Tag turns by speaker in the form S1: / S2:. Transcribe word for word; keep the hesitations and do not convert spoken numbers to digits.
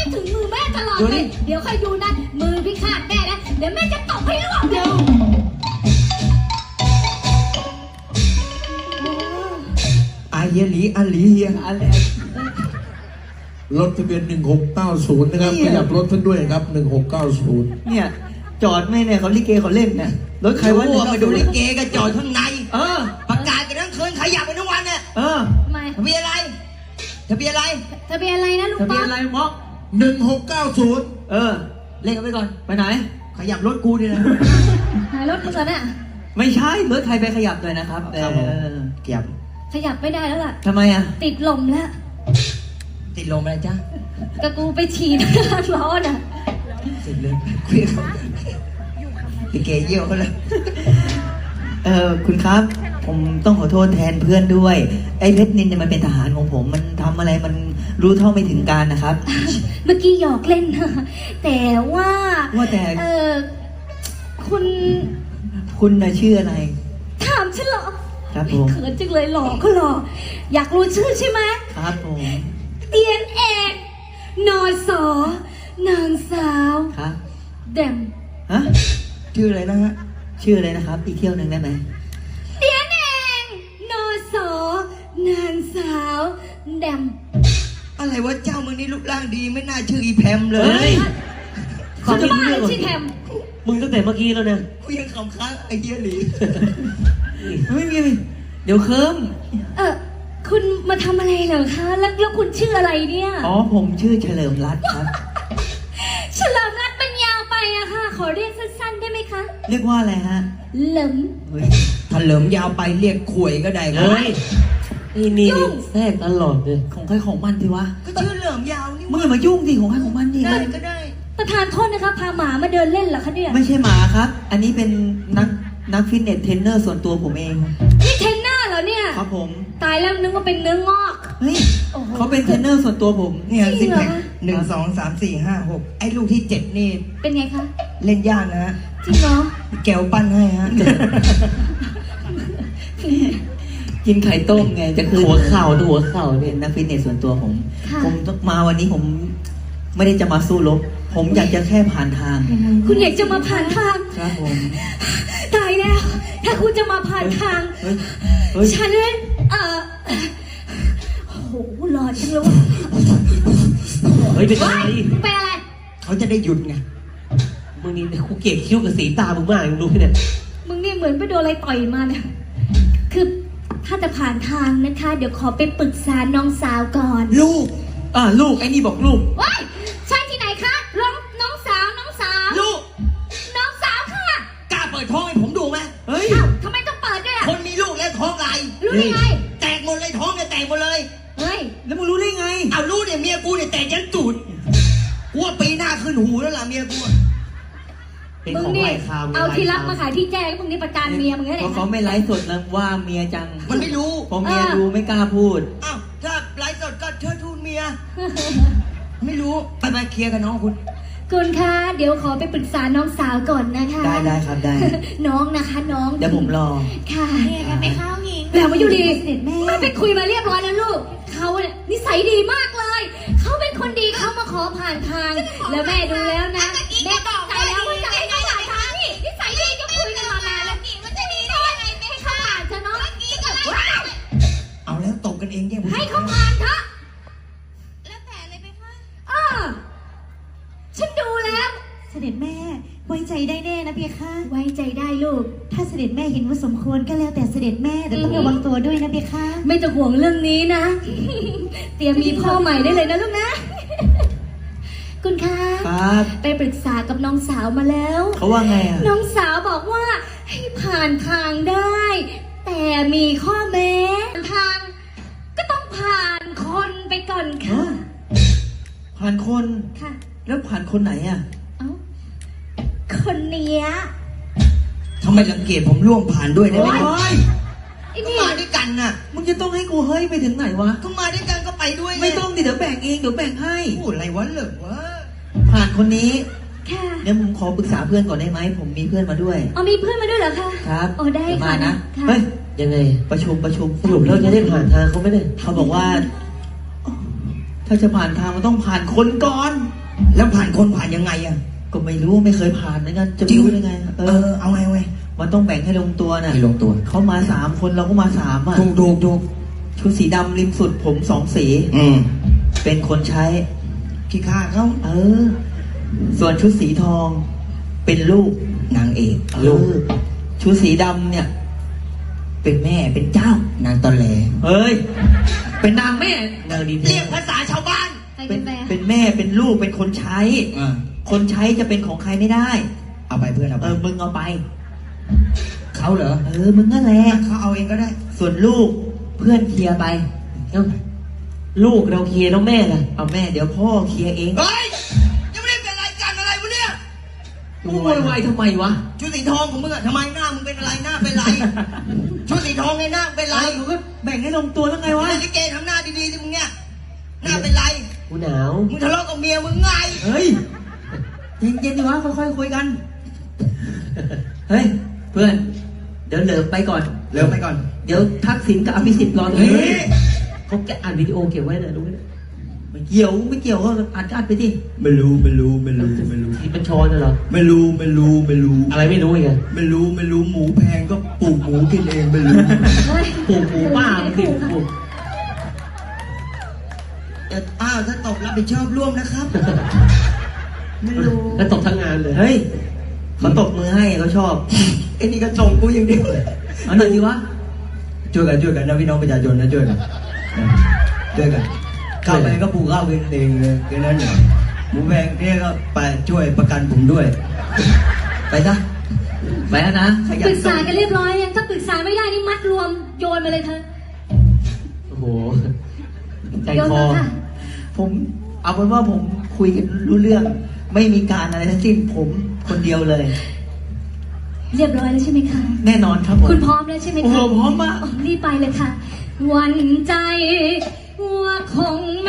S1: ถึงมือแม่ตลอดเลยเดี๋ยวค่อยดูนะมือพี่ขาดแน่นะเดี๋ยวแม่จะตบให้ร่วงเดียว
S2: อาเยลีอาลีเฮียอะไรรถทะเบียนหนึ่งหกเก้าศูนย์นะครับขยับรถท่านด้วยครับหนึ่งหกเก้าศูนย์
S3: เนี่ยจอดไม่เนี่ยเขาลิเกเขาเล่นเนี่ยรถใครวะเนี่ยมาดูลิเกก็จอดข้างในเออประกาศกันทั้งคืนขยับไปทั้งวันเนี่ยเออ
S1: ทำไม
S3: ทะเบียนอะไรทะเบียนอะไร
S1: ทะเบียนอะไรนะลุงป๊อกทะเบียนอะไร
S3: ม็อก
S2: หนึ่งหกเก้าศูนย์
S3: เออเล่นกันไปก่อนไปไหนขยับรถกูดินะ
S1: หายรถมึงก่อนน่ะ
S3: ไม่ใช่รถใครไปขยับเลยนะครับเออขยับ
S1: ขยับไม่ได้แล้วล่ะ
S3: ทำไมอ่ะ
S1: ติดลมแล้ว
S3: ติดลมอะไรจ้ะ
S1: กระกูไปฉีดร้อนอ่ะ
S3: ติดเลยคุยเขาลิเกเยี่ยวเขาเลยเออคุณครับผมต้องขอโทษแทนเพื่อนด้วยไอ้เพชรนินเนี่ยมันเป็นทหารของผมมันทำอะไรมันรู้เท่าไม่ถึงการนะครับ
S1: เมื่อกี้หยอกเล่นนะแต่ว่า
S3: ว่าแต่
S1: เออคุณ
S3: คุณน่ะชื่ออะไร
S1: ถามฉันเหรอ
S3: ครับผม
S1: เขินจังเลยหล่อก็หล่ออยากรู้ชื่อใช่ไหม
S3: ครับผม
S1: เตียนเอกนอสอนางสาว
S3: ครับ
S1: แดม
S3: ฮะชื่ออะไรนะฮะชื่ออะไรนะครับอีกเที่ยวหนึ่งได้ไหม
S1: เตียนเอกนอสอนางสาวแดม
S3: อะไรวะเจ้ามึงนี่รูปร่างดีไม่น่าชื่ออีแพมเลย
S1: เขาจะมาชื่อแพม
S3: มึงตั้งแต่เมื่อกี้แล้วเนี่ยกูยังขำค้างไอ้เหี้ยหลีไม่มีเดี๋ยวเคิม
S1: เออคุณมาทำอะไรเหรอคะแล้วแล้วคุณชื่ออะไรเนี่ย
S3: อ๋อผมชื่อเฉลิมรัตน์ครับ
S1: เฉลิมรัตน์มันยาวไปอะค่ะขอเรียกสั้นๆได้ไหมคะ
S3: เรียกว่าอะไรฮะ
S1: เหลิม
S3: ถ้าเหลิมยาวไปเรียกขวยก็ได้ครับนี่นี่แทรกตลอดเลยของใครของมันดิวะก็ชื่อเหลิมยาวนี่มึงอย่ามายุ่งสิของใครของมันดิ
S1: ได้ก็ได้ประธานโทษนะคะพาหมามาเดินเล่นเหรอคะเนี่ย
S3: ไม่ใช่หมาครับอันนี้เป็นนักนักฟิตเนสเทรนเนอร์ส่วนตัวผมเอง
S1: นี่เทรนเนอร์เหรอเนี่ย
S3: ครับผม
S1: ตายแล้วนึกว่าเป็นเนื้องอก
S3: เฮ้ยเขาเป็นเทรนเนอร์ส่วนตัวผม
S1: เนี่ยสิบแปด
S3: หนึ่งสองสามสี่ห้าหกไอ้ลูกที่เจ็ดนี่
S1: เป็นไงคะ
S3: เล่นยากนะ
S1: จริงเหรอ
S3: แก้วปั้นให้ฮะกินไข่ต้มไงจะคือหัวเข่าดูหัวเข่าเป็นนักฟิตเนสส่วนตัวผมผมต้องมาวันนี้ผมไม่ได้จะมาสู้รบผมอยากจะแค่ผ่านทาง
S1: คุณอยากจะมาผ่านทาง
S3: ครับผม
S1: ตายแล้วถ้าคุณจะมาผ่านทางฉันเออโอ้โหหล่อจังเลย
S3: เฮ้ยเป็นอะไร
S1: เป็นอะไร
S3: เขาจะได้หยุดไงมึงนี่กูเกลียดคิ้วกับสีตามึงมากมึงดูเนี่ย
S1: มึงนี่เหมือนไปโดนอะไรต่อยมาเนี่ยคือถ้าจะผ่านทางนะคะเดี๋ยวขอไปปรึกษาน้องสาวก่อน
S3: ลูกอ่าลูกไอ้นี่บอกลูก
S1: ว้ายใช่ที่ไหนคะน้องน้องสาวน้องสาว
S3: ลูก
S1: น้องสาวค่ะ
S3: กล้าเปิดท้องให้ผมดูไหม
S1: เฮ้ยทำไมต้องเปิดด้วยอ่ะ
S3: คนมีลูกแล้วท้องไร
S1: รู้ได้ไง
S3: แตกหมดเลยท้องเนี่ยแตกหมดเลย
S1: เฮ้ย
S3: แล้วมึงรู้ได้ไงเอารู้เนี่ยเมียกูเนี่ยแตกยันตูดกูว่าปีหน้าขึ้นหูแล้วล่ะเมียกู
S1: มึงนี่เอาที่รักมาขายที่แจ้งมึงนี่ประจานเมียมึงแค่ไหน
S3: เขาไม่ไลฟ์สดแล้วว่าเมียจัง
S2: มันไม่รู้
S3: พอเมียดูไม่กล้าพูด
S2: อ้าวถ้าไลฟ์สดก็เชิดทูนเมีย
S3: ไม่รู้ไปไปเคลียร์กับน้องคุณ
S1: คุณคะเดี๋ยวขอไปปรึกษาน้องสาวก่อนนะคะ
S3: ได้ได้ครับได้
S1: น้องนะคะน้อง
S3: เดี๋ยวผมรอ
S1: ค่ะ
S4: เนี่ยกันไปข้าวหญิง
S1: แล้วมาอยู่ดีไม่ไปคุยมาเรียบร้อยแล้วลูกเขาเนี่ยนิสัยดีมากเลยเขาเป็นคนดีเขามาขอผ่านทางแล้วแม่ดูแล้วนะแม่ตกใจแล้วว่าจะให้เขาผ่านทางนี่นิสัยดีก็คุยกันมานานแล้ว
S4: มันจะดีได้ยังไงไม่
S1: ให้เขาผ่านเถอะน้อง
S3: เอาแล้วตกกันเองยัง
S1: ให้เขาผ่านเถอะ
S4: แล้วแต่เลยไหมคะ
S1: เออฉันดูแล้ว
S4: เสด็จแม่ไว้ใจได้แน่นะเพียค่ะ
S1: ไว้ใจได้ลูก
S4: ถ้าเสด็จแม่เห็นว่าสมควรก็แล้วแต่เสด็จแม่แต่ต้องระวังตัวด้วยนะเพียค่ะ
S1: ไม่ต้องห่วงเรื่องนี้นะเตรียมมีพ่อใหม่ได้เลยนะลูกนะคุณคะ
S3: ครับ
S1: ไปปรึกษากับน้องสาวมาแล้ว
S3: เขาว่าไงอ่ะ
S1: น้องสาวบอกว่าให้ผ่านทางได้แต่มีข้อแม้ทางก็ต้องผ่านคนไปก่อนค่ะ
S3: ผ่านคน
S1: ค่ะ
S3: แล้วผ่านคนไหนอ่ะ
S1: เอ้าคนเนี้ย
S3: ทำไมรังเกียจผมร่วมผ่านด้วยได้ไหม
S2: ไอ้นี่มาด้วยกันน่ะ
S3: มึงจะต้องให้กูเฮ้ยไปถึงไหนวะ
S2: ก็มาด้วยกันก็ไปด้วย
S3: ไม่ต้องดิเดี๋ยวแบ่งเองเดี๋ยวแบ่งให้
S2: พูดอะไรวะเหลิกวะ
S3: ผ่านคนนี้
S1: ค่ะ
S3: เดี๋ยวผมขอปรึกษาเพื่อนก่อนได้ไหมผมมีเพื่อนมาด้วย
S1: อ๋อมีเพื่อนมาด้วยเหรอคะ
S3: ครับ
S1: อ๋อได้ค่ะ
S3: มานะเฮ้ยยังไงประชุมประชุมสรุปเราจะได้ผ่านทางเขาไหมเนี่ยเขาบอกว่าถ้าจะผ่านทางมันต้องผ่านคนก่อน
S5: แล้วผ่านคนผ่านยังไงอ่ะ
S3: ก็ไม่รู้ไม่เคยผ่านเหมือนกันจะ
S5: จริง
S3: รู้ได้ไง เอ
S5: เอ
S3: อ
S5: อเอาไงเอาไง
S3: มันต้องแบ่งให้ลงตัวน่ะ
S5: ให้ลงตัว
S3: เขามาสามคนเราก็มาสามอ่ะ
S5: ถูกถูกถูก
S3: ชุดสีดำริมสุดผมสองสี
S5: อืม
S3: เป็นคนใช้
S5: ขี้ข้าเขา
S3: เออ ส่วนชุดสีทอง เป็นลูก
S5: นางเอก
S3: เออชุดสีดำเนี่ย เป็นแม่เป็นเจ้า
S5: นางตอแหล
S3: เฮ้ย เป็นนางแม่นางดี
S5: เรียกภาษาชาวบ้าน
S1: ไป
S3: เป็
S1: กัน นไป
S3: เป็นแม่เป็นลูกเป็นคนใช้
S5: อ่า
S3: คนใช้จะเป็นของใครไม่ได้
S5: เอาไปเพื่อนเอา
S3: เอ
S5: ไป
S3: อมึงเอาไป
S5: เขาเหรอ
S3: เออมึงนั่นแหละ
S5: เขาเอาเองก็ได้
S3: ส่วนลูกเพื่อนเคลียร์ไปเอ้าลูกเราเคลียร์แล้วแม่ล่ะเอาแม่เดี๋ยวพ่อเคลียร์เอง
S5: เฮ้ย ยังไม่ได้เป็นรายการอะไรวะเนี่ย
S3: มึงโวยวายทำไมวะ
S5: ชุดสีทองของมึงอะทำไมหน้ามึงเป็นอะไรหน้าเป็นไร ชุดสีทองไงหน้าเป็นไร
S3: ไอ้กูก็แบ่งให้ลงตัวแล้วไงวะ
S5: ไอ้ลิเกทำหน้าดีๆสิมึงเนี่ยหน้าเป็นไร
S3: กูหนาว
S5: มึงทะเลาะกับเมียมึงไง
S3: เฮ้ยเย็นๆดีวะค่อยๆคุยกัน เฮ้ยเพื่อน เดี๋ยวเหลิมไปก่อน
S5: เร็วไปก่อน
S3: เดี๋ยวทักษิณกับอภิสิทธิ์รอตรง
S5: เฮ้
S3: นี้
S5: ย
S3: เขาแกอัดวิดีโอเก็บไว้นะดูนะไม่เกี่ยวไม่เกี่ยวก็อัดก็อัดไปดิ
S5: ไม่รู้ไม่รู้ไม่รู้ไม่รู้
S3: ที่เป็นช้อนน่ะเหรอ
S5: ไม่รู้ไม่รู้ไม่รู้
S3: อะไรไม่รู้อีกอะ
S5: ไม่รู้ไม่รู้หมูแพงก็ปลูกหมูกินเองไม่รู้
S1: เฮ้ย
S3: ปลูกหมูป้ามันสิปลูก
S5: แต่อ้าวถ้าตบรับผิดชอบร่วมนะครับ ไม่รู้
S3: แล้วตบทั้งงานเลย เฮ้ยเขาตบมือให้เขาชอบ
S5: ไอ้นี่ก็ส่งกูอย่างเดียว
S3: เอาหน่อยดิวะ
S5: ช่วยกันช่วยกันนะพี่น้องประชาชนนะช่วยกันช่วยกันเข้าไปก็ปลูกข้าวกินเองเลยแค่นั้นเนี่ยหมูแพงเนี่ยก็ไปช่วยประกันผมด้วย
S3: ไปซะไปแล้วนะขยั
S1: ปรึ
S3: น
S1: กษากันเรียบร้อยยังถ้าปรึกษาไม่ได้นี่มัดรวมโยนมาเลยเธอ
S3: โอ้โห ใจ
S1: โยน
S3: คอ
S1: มาค่ะ
S3: ผมเอาเป็นว่าผมคุยกันรู้เรื่อง ไม่มีการอะไรทั้งสิ้นผมคนเดียวเลย
S1: เรียบร้อยแล้วใช่ไหมคะ
S3: แน่นอนครับผม
S1: คุณพร้อมแล้วใช่ไหมคะ
S3: โอ้โหพร้อมมาก
S1: รีบไปเลยค่ะ หวันใจว่าคง